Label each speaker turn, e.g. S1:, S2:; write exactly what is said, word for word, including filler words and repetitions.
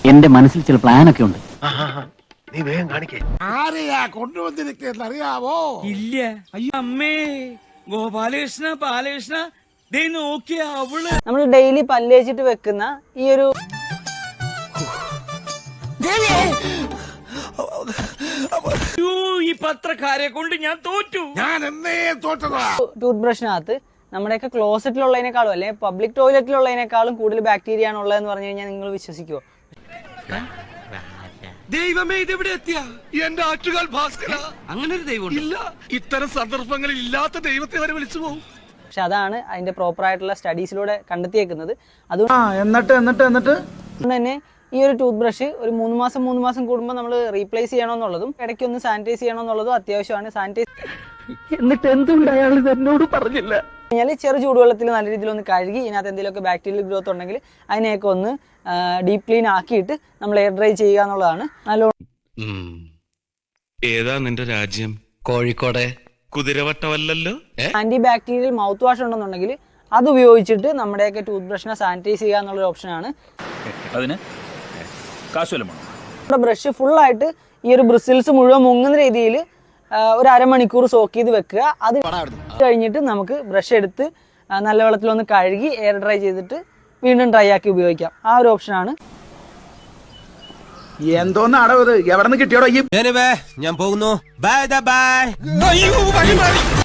S1: എന്റെ മനസ്സിൽ ചില പ്ലാനൊക്കെ ഉണ്ട്.
S2: നീ വേഗം കാണിക്കേ.
S3: ആരെയാ കൊണ്ടുവന്നിരിക്കുന്നത് അറിയാവോ?
S4: ഇല്ല. അയ്യോ അമ്മേ, ഗോപാലകൃഷ്ണ ബാലകൃഷ്ണ, ദേ നോക്കിയ അവള്.
S5: നമ്മൾ ഡെയിലി പല്ലേച്ചിട്ട് വെക്കുന്ന ഈ ഒരു
S4: ഈ പത്രക്കാരെ കൊണ്ട് ഞാൻ തോറ്റു.
S3: ഞാൻ എന്നേ തോറ്റതാ.
S5: ടൂത്ത് ബ്രഷിനകത്ത് നമ്മുടെയൊക്കെ ക്ലോസറ്റിലുള്ളതിനേക്കാളും അല്ലെങ്കിൽ പബ്ലിക് ടോയ്ലറ്റിലുള്ളതിനേക്കാളും കൂടുതൽ ബാക്ടീരിയ ആണ് ഉള്ളതെന്ന് പറഞ്ഞു കഴിഞ്ഞാൽ നിങ്ങൾ വിശ്വസിക്കുമോ?
S6: ദൈവമേ, ഇതെവിടെ എത്തിയ എന്റെ ആറ്റുകാൽ ഭാസ്കര. അങ്ങനെ ഒരു ദൈവം ഇല്ല. ഇത്തരം സന്ദർഭങ്ങളിൽ ഇല്ലാത്ത ദൈവത്തെ വരെ വിളിച്ചു പോകും.
S5: പക്ഷെ അതാണ് അതിന്റെ പ്രോപ്പർ ആയിട്ടുള്ള സ്റ്റഡീസിലൂടെ കണ്ടെത്തിയേക്കുന്നത്. അതുകൊണ്ട്
S7: എന്നിട്ട് എന്നിട്ട് എന്നിട്ട്
S5: തന്നെ ഈ ഒരു ടൂത്ത് ബ്രഷ് ഒരു മൂന്ന് മാസം മൂന്ന് മാസം കൂടുമ്പോൾ നമ്മൾ റീപ്ലേസ് ചെയ്യണമെന്നുള്ളതും ഇടയ്ക്ക് ഒന്ന് സാനിറ്റൈസ് ചെയ്യണമെന്നുള്ളതും അത്യാവശ്യമാണ്. സാനിറ്റൈസ്
S1: എന്നിട്ട് എന്തുകൊണ്ട് അയാൾ എന്നോട് പറഞ്ഞില്ല?
S5: കഴിഞ്ഞാൽ ചെറു ചൂടുവെള്ളത്തിൽ നല്ല രീതിയിൽ ഒന്ന് കഴുകി ഇതിനകത്ത് എന്തെങ്കിലുമൊക്കെ ബാക്ടീരിയൽ ഗ്രോത്ത് ഉണ്ടെങ്കിൽ അതിനെയൊക്കെ ഒന്ന് ഡീപ് ക്ലീൻ ആക്കിയിട്ട് നമ്മൾ എയർ ഡ്രൈ ചെയ്യുക എന്നുള്ളതാണ്. നല്ലോണം
S8: ഏതാ നിന്റെ രാജ്യം?
S6: കോഴിക്കോടെ.
S8: കുതിരവട്ടമല്ലല്ലോ.
S5: ആന്റി ബാക്ടീരിയൽ മൗത്ത് വാഷ് ഉണ്ടെന്നുണ്ടെങ്കിൽ അത് ഉപയോഗിച്ചിട്ട് നമ്മുടെയൊക്കെ ടൂത്ത് ബ്രഷിനെ സാനിറ്റൈസ് ചെയ്യുക എന്നുള്ളൊരു ഓപ്ഷനാണ്.
S4: അതിന് കാശുവല്ലോ.
S5: നമ്മുടെ ബ്രഷ് ഫുള്ളായിട്ട് ഈ ഒരു ബ്രിസിൽസ് മുഴുവൻ മുങ്ങുന്ന രീതിയിൽ ഒരു അരമണിക്കൂർ സോക്ക് ചെയ്ത് വെക്കുക. അത് കഴിഞ്ഞിട്ട് നമുക്ക് ബ്രഷ് എടുത്ത് നല്ല വെള്ളത്തിലൊന്ന് കഴുകി എയർ ഡ്രൈ ചെയ്തിട്ട് വീണ്ടും ഡ്രൈ ആക്കി ഉപയോഗിക്കാം. ആ ഒരു ഓപ്ഷനാണ്.
S7: എന്തോന്ന് അടവ്, എവിടെ നിന്ന് കിട്ടിയോടോ?
S6: ഞാൻ പോകുന്നു. Bye by.